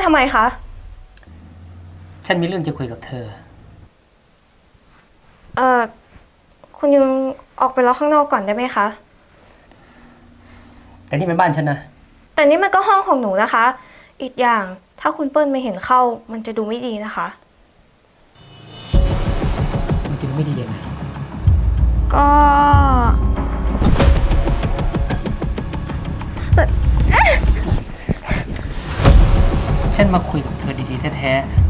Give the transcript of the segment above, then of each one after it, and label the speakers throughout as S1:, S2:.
S1: ำไมคะ
S2: ฉันมีเรื่องจะคุยกับเธอ
S1: คุณยุงออกไปรอข้างนอกก่อนได้ไหมคะ
S2: แต่นี่เป็นบ้านฉันนะ
S1: แต่นี่มันก็ห้องของหนูนะคะ อีกอย่างถ้าคุณเปิ้ลไม่เห็นเข้า มันจะดูไม่ดีนะคะ
S2: มันจะดูไม่ดียังไง
S1: ก็
S2: ฉันมาคุยกับเธอดีๆแท้ๆ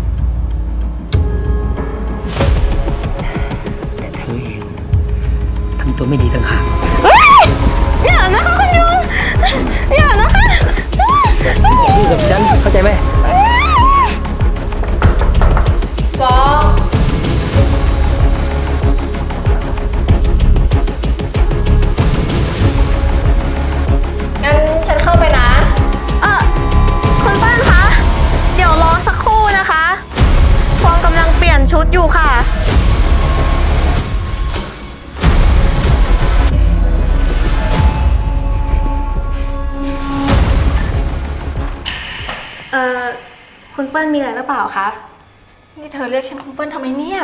S2: แต่เธอเองทำตัวไม่ดีต่างหาก
S1: อย่านะคะคุณยุงอย่านะคะ
S2: พูดกับฉันเข้าใจไหม
S1: ฟองงั้นฉันเข้าไปนะ คุณเปิ้ลคะ เดี๋ยวรอสักครู่นะคะ ฟองกำลังเปลี่ยนชุดอยู่ค่ะ คุณเปิ้ลมีอะไรหรือเปล่าคะ
S3: นี่เธอเรียกฉันคุณเปิ้ลทำไมเนี่ย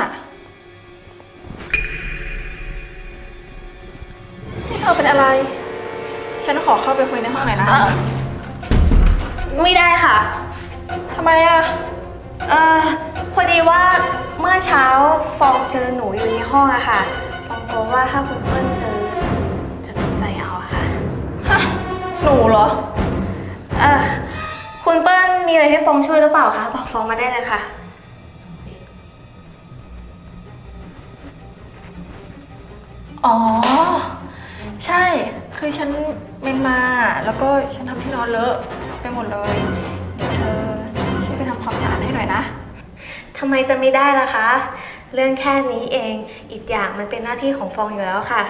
S3: นี่เธอเป็นอะไร ฉันขอเข้าไปคุยในห้องหน่อยนะ
S1: ไม่ได้ค่ะ
S3: ทำไมอะ
S1: พอดีว่าเมื่อเช้าฟองเจอหนูอยู่ในห้องอะค่ะ ฟองกลัวว่าถ้าคุณเปิ้ลเจอจะตกใจเอาอะค่ะ
S3: ฮะ หนูเหรอ
S1: คุณเปิ้ลมีอะไรให้ฟองช่วยหรือเปล่าคะ บอกฟองมาได้เลยค่ะ
S3: อ๋อ ใช่ คือฉันเมนมา แล้วก็ฉันทำที่นอนเลอะไปหมดเลย เดี๋ยวเธอช่วยไปทำความสะอาดให้หน่อยนะ
S1: ทำไมจะไม่ได้ล่ะคะ เรื่องแค่นี้เอง อีกอย่างมันเป็นหน้าที่ของฟองอยู่แล้วค่ะ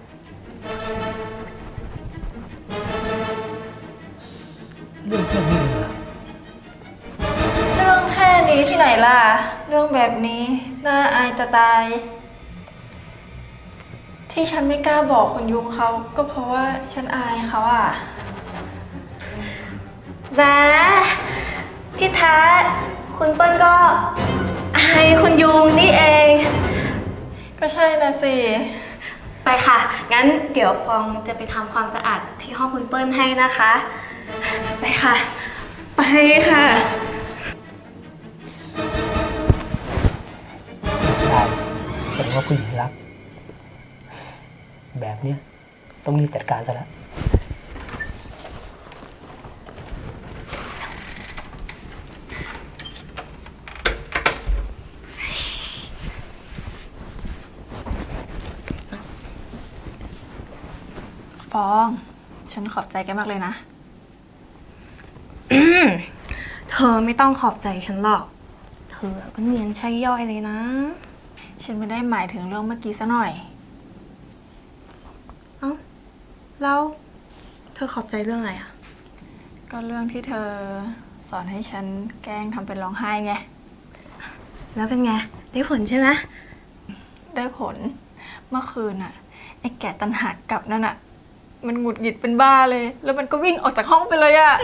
S2: เรื่องแค่นี้เหรอ
S3: เรื่องแค่นี้ที่ไหนล่ะ เรื่องแบบนี้น่าอายจะตาย ที่ฉันไม่กล้าบอกคุณยุงเขาก็เพราะว่าฉันอายเขาอะ
S1: แหมที่แท้คุณเปิ้ลก็อายคุณยุงนี่เอง
S3: ก็ใช่นะสิ
S1: ไปค่ะ งั้นเดี๋ยวฟองจะไปทำความสะอาดที่ห้องคุณเปิ้ลให้นะคะ ไปค่ะ ไปค่ะ
S2: ได้แสดงว่าผู้หญิงรัก แบบเนี้ยต้องรีบจัดการซะแล้ว
S3: ฟอง ฉันขอบใจแกมากเลยนะ
S1: เธอไม่ต้องขอบใจฉันหรอก เธอก็เนียนใช่ย่อยเลยนะ
S3: ฉันไม่ได้หมายถึงเรื่องเมื่อกี้ซะหน่อย
S1: เอ้า แล้วเธอขอบใจเรื่องอะไรอะ
S3: ก็เรื่องที่เธอสอนให้ฉันแกล้งทำเป็นร้องไห้ไง
S1: แล้วเป็นไง ได้ผลใช่ไหม
S3: ได้ผล เมื่อคืนน่ะ ไอ้แก่ตันหากกลับนั่นน่ะ มันหงุดหงิดเป็นบ้าเลย แล้วมันก็วิ่งออกจากห้องไปเลยอะ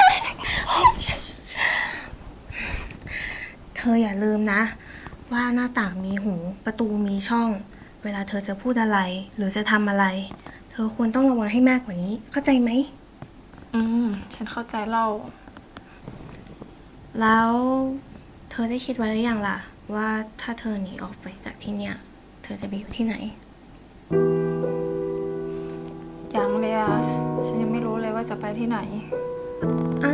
S1: เธออย่าลืมนะ ว่าหน้าต่างมีหู ประตูมีช่อง เวลาเธอจะพูดอะไร หรือจะทำอะไร เธอควรต้องระวังให้มากกว่านี้ เข้าใจไหม
S3: ฉันเข้าใจเล่า
S1: แล้วเธอได้คิดไว้หรือยังล่ะ ว่าถ้าเธอหนีออกไปจากที่เนี่ย เธอจะไปอยู่ที่ไหน
S3: ยังเลยอะฉันยังไม่รู้เลยว่าจะไปที่ไหน
S1: อ้าว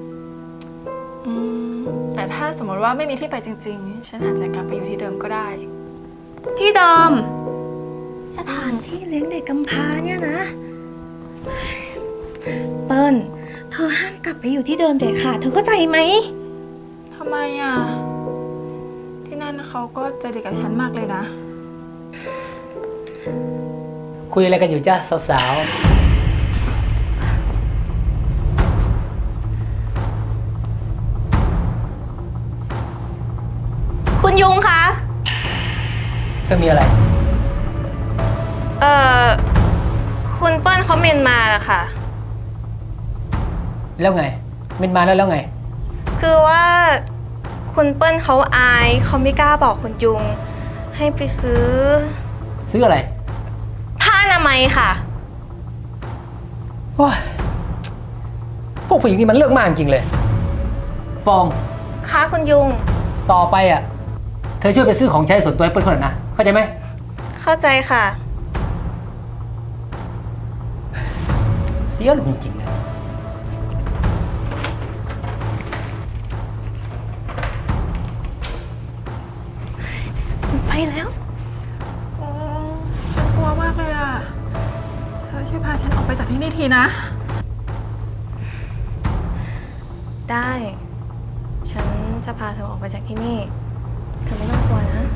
S3: แต่ถ้าสมมติว่าไม่มีที่ไปจริงๆ ฉันอาจจะกลับไปอยู่ที่เดิมก็ได้
S1: ที่เดิม สถานที่เลี้ยงเด็กกำพร้าเนี่ยนะ เปิ้ล เธอห้ามกลับไปอยู่ที่เดิมเด็ดขาดเธอเข้าใจไหม
S3: ทำไมอะที่นั่นเขาก็ใจดีกับฉันมากเลยนะ
S2: คุยอะไรกันอยู่จ้าสาว
S1: คุณยุงคะ
S2: ๆ เธอมีอะไร
S1: คุณเปิ้ลเขาเมนมาอะค่ะ
S2: แล้วไงเมนมาแล้วไง
S1: คือว่าคุณเปิ้ลเขาอายเขาไม่กล้าบอกคุณยุง ให้ไปซื้อ
S2: ซื้ออะไร
S1: ผ้าอนามัยค่ะ
S2: โอ้ยพวกผู้หญิงนี่มันเลือกมากจริงเลย ฟอง
S1: คะคุณยุง
S2: ต่อไปอ่ะ เธอช่วยไปซื้อของใช้ส่วนตัวให้เปิ้ลคนหน่อยนะ เข้าใจไหม
S1: เข้าใจค่ะ
S2: เสียลงจริงๆเลย
S1: ไปแล้ว
S3: โอ้ฉันกลัวมากเลยอ่ะ เธอช่วยพาฉันออกไปจากที่นี่ทีนะ
S1: ได้ ฉันจะพาเธอออกไปจากที่นี่ เธอไม่ต้องกลัวนะ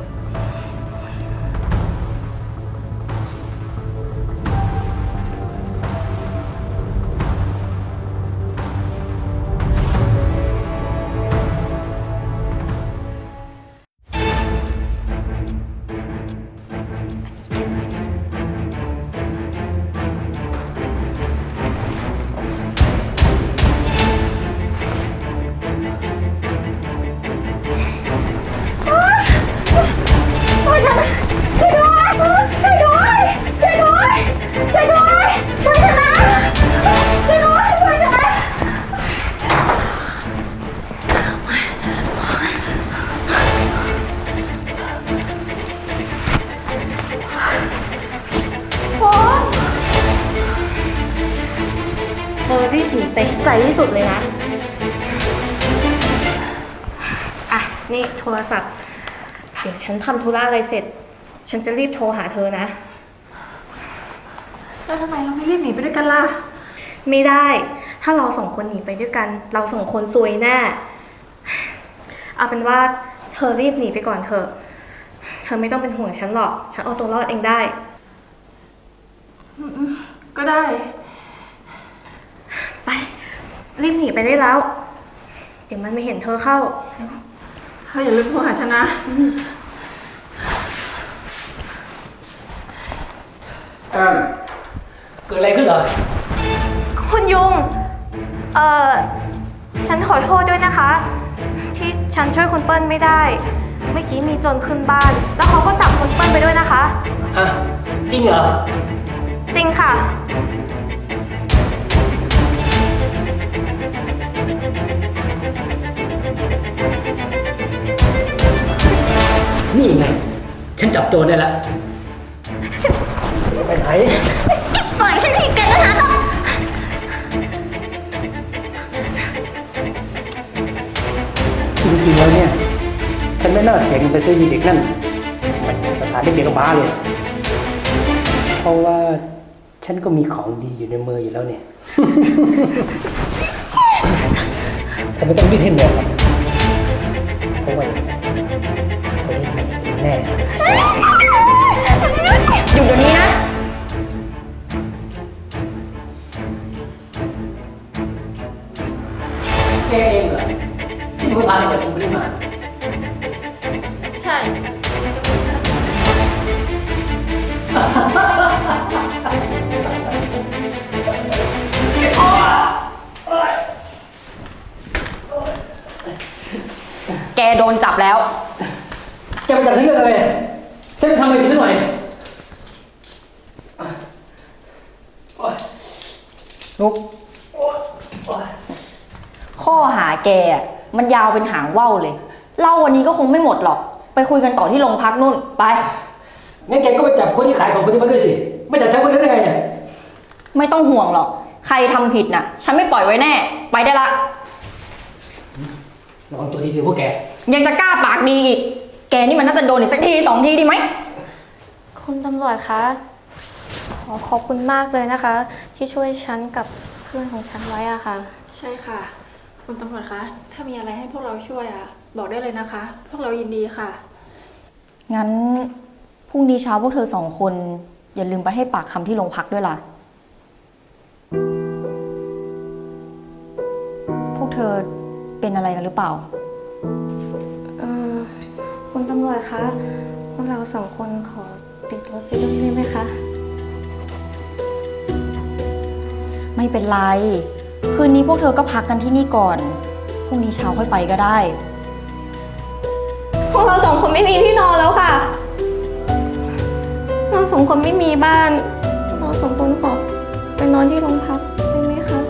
S1: เธอรีบหนีไปให้ไกลที่สุดเลยนะ อ่ะ นี่โทรศัพท์ เดี๋ยวฉันทำธุระอะไรเสร็จ ฉันจะรีบโทรหาเธอนะ
S3: แล้วทำไมเราไม่รีบหนีไปด้วยกันล่ะ
S1: ไม่ได้ ถ้าเราสองคนหนีไปด้วยกัน เราสองคนซวยแน่ เอาเป็นว่าเธอรีบหนีไปก่อนเถอะ เธอไม่ต้องเป็นห่วงฉันหรอก ฉันเอาตัวรอดเองได้
S3: ก็ได้
S1: ไป รีบหนีไปได้แล้ว เดี๋ยวมันไม่เห็นเธอเข้า
S3: เธออย่าลืมโทรหาฉันนะ
S2: เกิดอะไรขึ้นเหรอ
S1: คุณยุง ฉันขอโทษด้วยนะคะ ที่ฉันช่วยคุณเปิ้ลไม่ได้ เมื่อกี้มีโจรขึ้นบ้าน แล้วเขาก็จับคุณเปิ้ลไปด้วยนะคะ
S2: ฮะ จริงเหรอ
S1: จริงค่ะ
S2: นี่ไง ฉันจับโจรได้แล้วไปไหน
S1: ปล่อยฉันทีกันนะคะ
S2: จริงๆแล้วเนี่ย ฉันไม่น่าเสียเงินไปซื้อยีเด็กนั่นมันสถานเด็กๆบ้าเลย เพราะว่าฉันก็มีของดีอยู่ในมืออยู่แล้วเนี่ย ฉันไม่ต้องรีบให้เหนื่อยหรอกเพราะว่าเธอได้แน่
S1: หยุดเดี๋ยวนี้นะ
S2: แกเองเหรอที่เป็นคนพาเด็กคนนี้มา
S3: ใช่
S4: แกโดนจับแล้ว
S2: แกมาจับฉันเรื่องอะไรฉันไปทำอะไรผิดสักหน่อยลุก
S4: ข้อหาแกอะมันยาวเป็นหางว่าวเลย เล่าวันนี้ก็คงไม่หมดหรอก ไปคุยกันต่อที่โรงพักนู่น ไป
S2: งั้นแกก็ไปจับคนที่ขาย2 คนนี้มาด้วยสิ ไม่จับฉันคนนั้นได้ไงเนี่ย
S4: ไม่ต้องห่วงหรอก ใครทำผิดน่ะ ฉันไม่ปล่อยไว้แน่ ไปได้ละ
S2: ระวังตัวดีสิพวกแก
S4: ยังจะกล้าปากดีอีก แกนี่มันน่าจะโดนอีกสักที2 ทีดีไหม
S1: คุณตำรวจคะ ขอบคุณมากเลยนะคะ ที่ช่วยฉันกับเพื่อนของฉันไว้อะค่ะ
S3: ใช่ค่ะ คุณตำรวจคะ ถ้ามีอะไรให้พวกเราช่วยอ่ะ บอกได้เลยนะคะ พวกเรายินดีค่ะ
S4: งั้นพรุ่งนี้เช้าพวกเธอ2 คน อย่าลืมไปให้ปากคำที่โรงพักด้วยล่ะ พวกเธอเป็นอะไรกันหรือเปล่า
S1: คุณตำรวจคะ พวกเราสองคนขอติดรถไปด้วยได้ไหมคะ
S4: ไม่เป็นไร คืนนี้พวกเธอก็พักกันที่นี่ก่อน พรุ่งนี้เช้าค่อยไปก็ได้
S1: พวกเราสองคนไม่มีที่นอนแล้วค่ะ เราสองคนไม่มีบ้าน เราสองคนขอไปนอนที่โรงพักได้ไหมคะ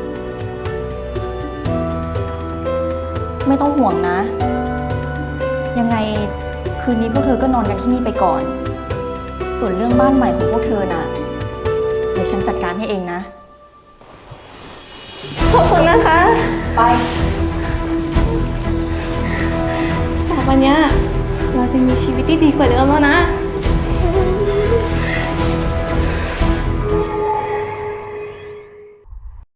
S4: ไม่ต้องห่วงนะ ยังไงคืนนี้พวกเธอก็นอนกันที่นี่ไปก่อน ส่วนเรื่องบ้านใหม่ของพวกเธอน่ะ เดี๋ยวฉันจัดการให้เองนะ
S1: ขอบคุณนะคะ
S4: ไป
S1: แต่วันเนี้ยเราจะมีชีวิตที่ดีกว่าเดิมแล้วนะ